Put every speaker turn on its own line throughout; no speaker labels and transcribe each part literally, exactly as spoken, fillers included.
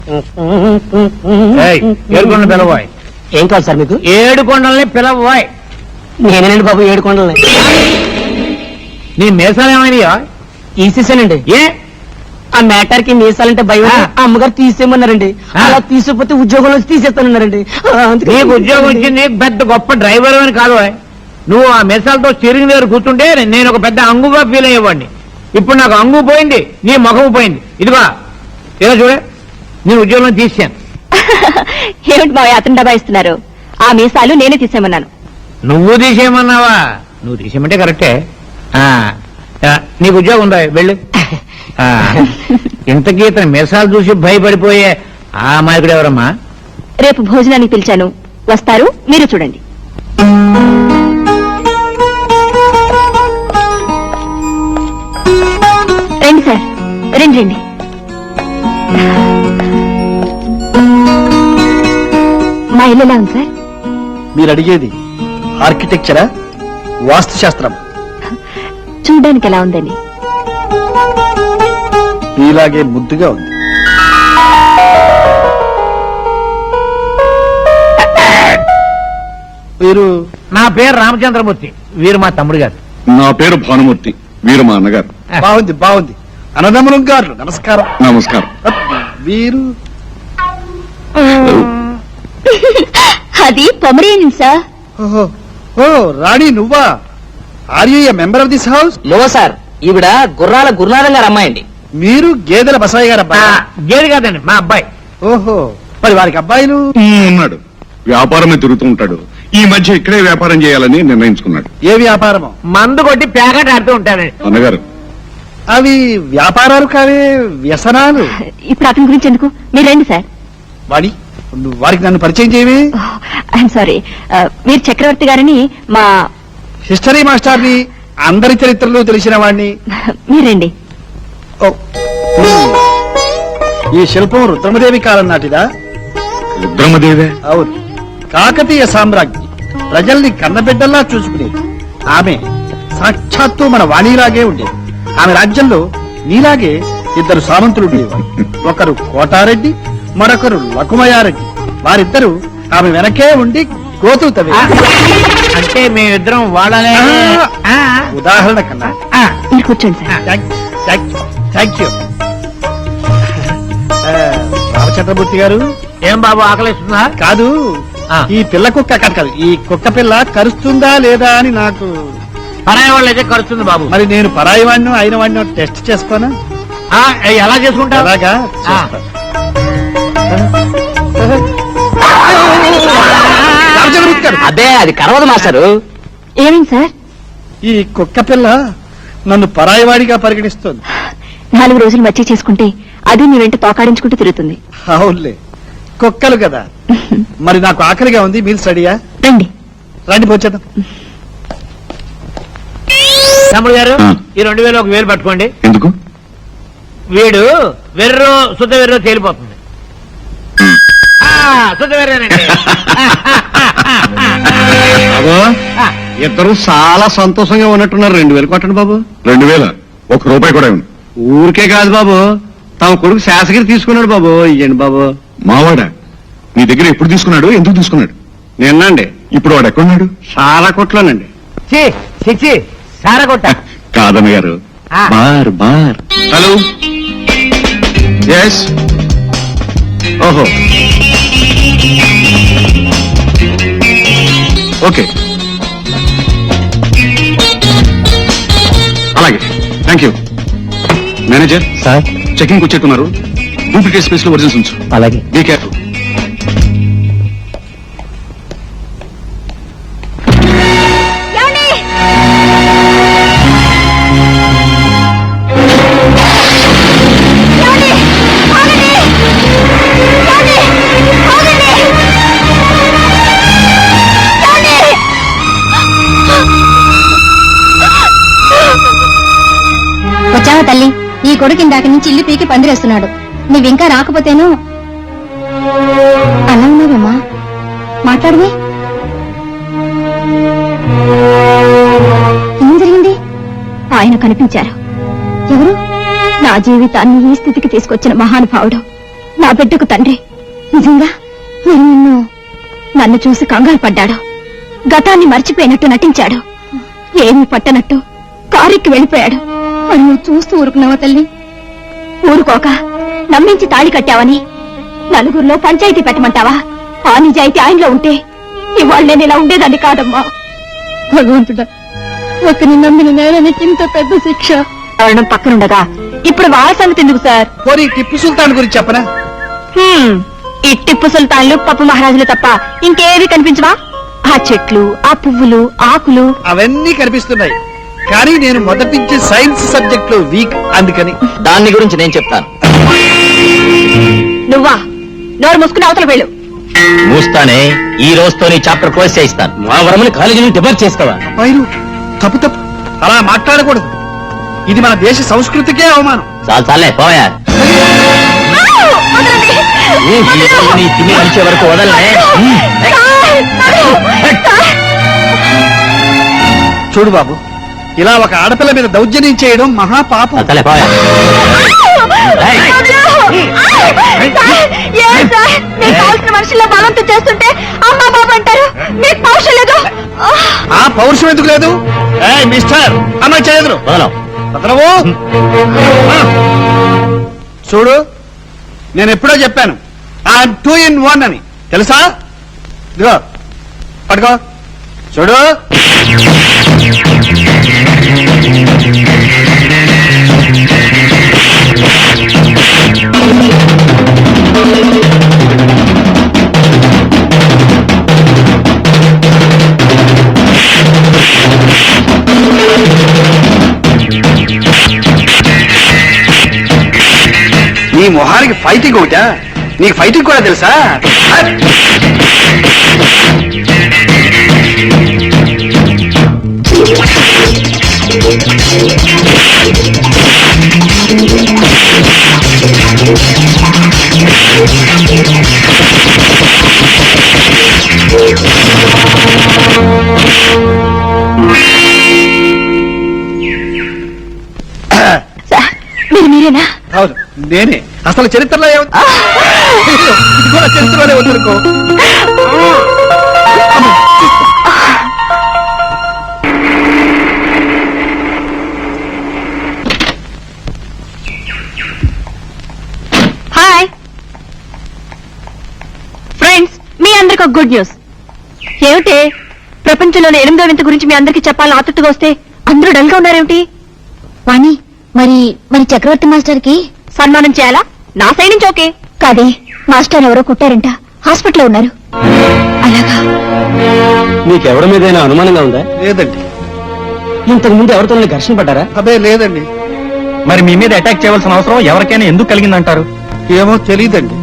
ఏడుకొండ పిలవాయ్.
ఏం కాదు సార్ మీకు?
ఏడు కొండల్ని పిలవాయ్.
నేనేనండి బాబు ఏడు కొండల్ని.
నీ మీసాలు ఏమైనా
తీసేసానండి.
ఏ
ఆ మ్యాటర్ కి మీసాలంటే భయం. ఆ అమ్మగారు తీసేయమన్నారండి. అలా తీసేపోతే ఉద్యోగంలో తీసేస్తానన్నారండి.
నీకు ఉద్యోగం ఇచ్చింది పెద్ద గొప్ప డ్రైవర్ అని కాదు. నువ్వు ఆ మెసాలతో స్టీరింగ్ దగ్గర కూర్చుంటే నేను ఒక పెద్ద అంగుగా ఫీల్ అయ్యేవాడిని. ఇప్పుడు నాకు అంగు పోయింది, నీ ముఖము పోయింది. ఇదిగో ఇలా చూడే, నేను ఉద్యోగంలో తీసాను.
ఏమిటి బాగా అతను డబ్బా ఇస్తున్నారు? ఆ మీసాలు నేనే తీసేయమన్నాను.
నువ్వు తీసేయమన్నావా? నువ్వు తీసేయమంటే కరెక్టే. నీకు ఉద్యోగం ఉందా? వెళ్ళు. ఇంతకీ ఇతను మెసాలు చూసి భయపడిపోయే ఆ మాయకుడు ఎవరమ్మా?
రేపు భోజనానికి పిలిచాను, వస్తారు, మీరు చూడండి. రండి సార్, రండి రండి. మా ఇల్లు ఎలా ఉంది సార్?
మీరు అడిగేది ఆర్కిటెక్చరా, వాస్తుశాస్త్రం?
చూడడానికి ఎలా ఉందండి?
మీలాగే ముద్దుగా ఉంది. మీరు?
నా పేరు రామచంద్రమూర్తి, వీరు మా తమ్ముడు గారు.
నా పేరు భానుమూర్తి, వీరు మా అన్నగారు.
బాగుంది బాగుంది. అన్నదమ్ములం గారు నమస్కారం.
నమస్కారం.
వీరు?
అది పొమరేనియన్ సార్.
ఓహో, ఓ రాణి నువ్వా? Are you a member of this house?
No sir, ఈవిడ గుర్రాల గురునాథం గారు అమ్మాయండి.
మీరు గేదెల బసాయి గారు అబ్బాయి?
గేది కాదండి, మా అబ్బాయి.
ఓహో, మరి వారికి అబ్బాయిలు?
ఉన్నాడు, వ్యాపారమే తిరుగుతూ ఉంటాడు. ఈ మధ్య ఇక్కడే వ్యాపారం చేయాలని నిర్ణయించుకున్నాడు.
ఏ వ్యాపారమో?
మందు కొట్టి ప్యాకెట్ ఆడుతూ ఉంటాడండి.
అన్నగారు,
అవి వ్యాపారాలు కావే, వ్యసనాలు.
ఇప్పుడు అతని గురించి ఎందుకు, మీరు రండి సార్.
వాడి నువ్వు వారికి నన్ను పరిచయం చేయవి?
ఐఎమ్ సారీ, మీరు చక్రవర్తి గారిని మా
హిస్టరీ మాస్టర్ని, అందరి చరిత్రలు తెలిసిన వాడిని.
మీరండి.
ఓ, ఈ శిల్పం రుద్రమదేవి కాలం నాటిదా?
రుద్రమదేవే?
అవును, కాకతీయ సామ్రాజ్ఞి ప్రజల్ని కన్నబిడ్డల్లా చూసుకునేది. ఆమె సాక్షాత్తు మన వాణిలాగే ఉండేది. ఆమె రాజ్యంలో నీలాగే ఇద్దరు సామంతులు ఉండేవారు. ఒకరు కోటారెడ్డి, మరొకరు లకుమయారెడ్డి. వారిద్దరూ ఆమె వెనకే ఉండి గోతులు తవ్వే.
అంటే మేమిద్దరం వాళ్ళనే.
ఉదాహరణ కన్నా.
మీరు కూర్చోండి సార్.
Thank you. రామచంద్రమూర్తి గారు.
ఏం బాబు ఆకలిస్తుందా?
కాదు, ఈ పిల్ల కుక్క కాదు కాదు ఈ కుక్క పిల్ల కరుస్తుందా లేదా అని నాకు.
పరాయి వాళ్ళు అయితే కరుస్తుంది బాబు.
మరి నేను పరాయి వాడినో అయిన వాడినో టెస్ట్ చేసుకోనా?
ఎలా చేసుకుంటా?
అలాగా.
అదే అది కరవదు మాస్టారు.
ఏమేం సార్?
ఈ కుక్క పిల్ల నన్ను పరాయివాడిగా పరిగణిస్తోంది.
నాలుగు రోజులు మచ్చి చేసుకుంటే అది మీ వెంట తోకాడించుకుంటూ తిరుగుతుంది.
అవునులే, కుక్కలు కదా. మరి నాకు ఆకలిగా ఉంది, మీరు స్టడీయా?
రండి
రండి పోచేద్దాం.
తమ్ముడు గారు, ఈ రెండు వేలు ఒక వేలు పట్టుకోండి.
ఎందుకు?
వీడు వెర్రో శుద్ధ వెర్రో తేలిపోతుంది. శుద్ధ వెర్రేనండి.
ఇద్దరు చాలా సంతోషంగా ఉన్నట్టున్నారు. రెండు వేలు కొట్టండి బాబు. రెండు వేల ఒక రూపాయి కూడా ఇవ్వండి. ఊరికే కాదు బాబు, తమ కొడుకు శాసగిరి తీసుకున్నాడు బాబు. ఇయ్యండి బాబు. మావాడా? నీ దగ్గర ఎప్పుడు తీసుకున్నాడు? ఎందుకు తీసుకున్నాడు? నిన్నండి. ఇప్పుడు వాడు ఎక్కడున్నాడు? సారా కొట్లోనండి.
చిచ్చి సారా కొట్ట
కాదన్న గారు. బార్ బార్. Hello, yes. ఓహో, ఓకే, అలాగే, thank you. Manager
sir,
checking వచ్చేట్టున్నారు. డూప్లికేట్ స్పేస్ లో ఒరిజినల్స్ ఉంచు.
అలాగే.
Be careful.
వచ్చావా తల్లి? ఈ కొడుకు ఇందాక నుంచి ఇల్లు పీకి పందిరేస్తున్నాడు. నువ్వింకా రాకపోతేను. అలా ఉన్నావేమ్మా, మాట్లాడవే. ఏం జరిగింది?
ఆయన కనిపించారు.
ఎవరు?
నా జీవితాన్ని ఈ స్థితికి తీసుకొచ్చిన మహానుభావుడు నా బిడ్డకు తండ్రి. నిజంగా మరి నిన్ను నన్ను చూసి కంగారు పడ్డాడు. గతాన్ని మర్చిపోయినట్టు నటించాడు. ఏమీ పట్టనట్టు కారుకి వెళ్ళిపోయాడు.
మరి నువ్వు చూస్తూ ఊరుకున్నావా తల్లి?
ఊరుకోక నమ్మించి తాళి కట్టావని నలుగురిలో పంచాయతీ పెట్టమంటావా? ఆ నిజాయితీ ఆయనలో ఉంటే ఇవాళ నేను ఇలా ఉండేదాన్ని కాదమ్మా.
భగవంతుడా, ఒకరిని నమ్మిన నేరానికి ఇంత పెద్ద శిక్ష.
కారణం పక్కనుండగా ఇప్పుడు వాళ్ళ సంగతి ఎందుకు సార్?
పోనీ టిప్పు సుల్తాన్ గురించి చెప్పనా?
హ్మ్, ఈ టిప్పు సుల్తాన్లు పప్పు మహారాజులు తప్ప ఇంకేవి కనిపించవా? ఆ చెట్లు, ఆ పువ్వులు, ఆకులు.
అవన్నీ కనిపిస్తున్నాయి, కానీ నేను మొదటి నుంచి సైన్స్ సబ్జెక్ట్ లో వీక్, అందుకని.
దాన్ని గురించి నేను చెప్తాను.
నువ్వా? నోరు మూసుకుని అవతల వెళ్ళు.
మూస్తానే, ఈ రోజుతో నీ చాప్టర్ క్లోజ్ చేయిస్తాను. మా వరమని కాలేజీ నుంచి డిబార్ చేసుకోవా?
పైరు తప్పు తప్పు, అలా మాట్లాడకూడదు. ఇది మన దేశ సంస్కృతికే అవమానం.
చాలు చాలే పోయా. నీ తిని అరిచే వరకు వదలనే.
చూడు బాబు, ఇలా ఒక ఆడపిల్ల మీద దౌర్జన్యం చేయడం మహాపాపం.
చాలే పోయా.
మనుషుల్లో బలంతో చేస్తుంటే అమ్మా బాబు అంటారు. మీకు పౌరుషం లేదు.
ఆ పౌరుషం ఎందుకు లేదు? ఏయ్ మిస్టర్, అమ్మాయి చేయదు.
వదలం.
భద్రవు, చూడు, నేను ఎప్పుడో చెప్పాను ఐఎమ్ టూ ఇన్ వన్ అని, తెలుసా? ఇదిగో పట్టుకో, చూడు. నీ మొహానికి ఫైటింగ్ ఒకటా? నీకు ఫైటింగ్ కూడా తెలుసా?
సార్, మీరు మీరేనా?
అవును, నేనే. అసలు చరిత్రలో ఏముంది? ఇది కూడా చరిత్రలోనే వద్దనుకో.
హాయ్ ఫ్రెండ్స్, మీ అందరికి ఒక గుడ్ న్యూస్. ఏమిటి? ప్రపంచంలోని ఎనిమిదో వింత గురించి మీ అందరికి చెప్పాలని ఆతృతగా వస్తే అందరూ డల్ గా ఉన్నారేమిటి?
వాణి, మరి మరి చక్రవర్తి మాస్టర్ కి
సన్మానం చేయాలా? నా సైడ్ నుంచి ఓకే.
కాదే, మాస్టర్ ఎవరో కుట్టారంట, హాస్పిటల్లో ఉన్నారు.
అలాగా?
నీకెవరి మీదైనా అనుమానంగా ఉందా?
లేదండి.
ఇంతకు ముందు ఎవరితో ఘర్షణ పడ్డారా?
అదే లేదండి.
మరి మీ మీద అటాక్ చేయవలసిన అవసరం ఎవరికైనా ఎందుకు కలిగిందంటారు?
ఏమో తెలీదండి.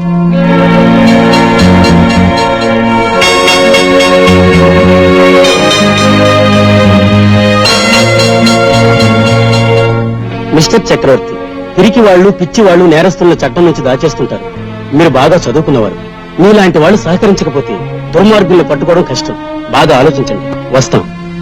మిస్టర్ చక్రవర్తి, పిరికి వాళ్ళు, పిచ్చి వాళ్ళు నేరస్తులను చట్టం నుంచి దాచేస్తుంటారు. మీరు బాగా చదువుకున్నవారు. మీలాంటి వాళ్ళు సహకరించకపోతే దుర్మార్గుల్ని పట్టుకోవడం కష్టం. బాగా ఆలోచించండి. వస్తాం.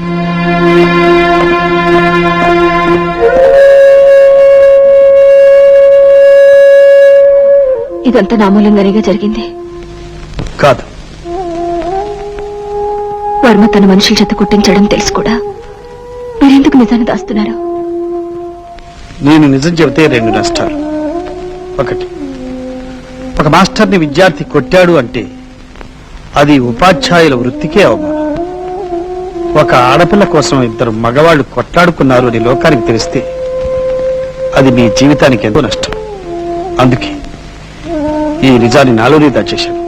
ఇదంతా నా మూలంగానేగా జరిగింది.
కాదు,
వర్మ తన మనుషుల చేత కుట్టించడం తెలుసు కూడా మీరెందుకు నిజాన్ని దాస్తున్నారు?
నేను నిజం చెబితే రెండు నష్టాలు. ఒకటి, ఒక మాస్టర్ని విద్యార్థి కొట్టాడు అంటే అది ఉపాధ్యాయుల వృత్తికే అవమానం. ఒక ఆడపిల్ల కోసం ఇద్దరు మగవాళ్లు కొట్లాడుకున్నారు అని లోకానికి తెలిస్తే అది మీ జీవితానికి ఎంతో నష్టం. అందుకే ఈ నిజాన్ని నాలోనే దాచేశాను.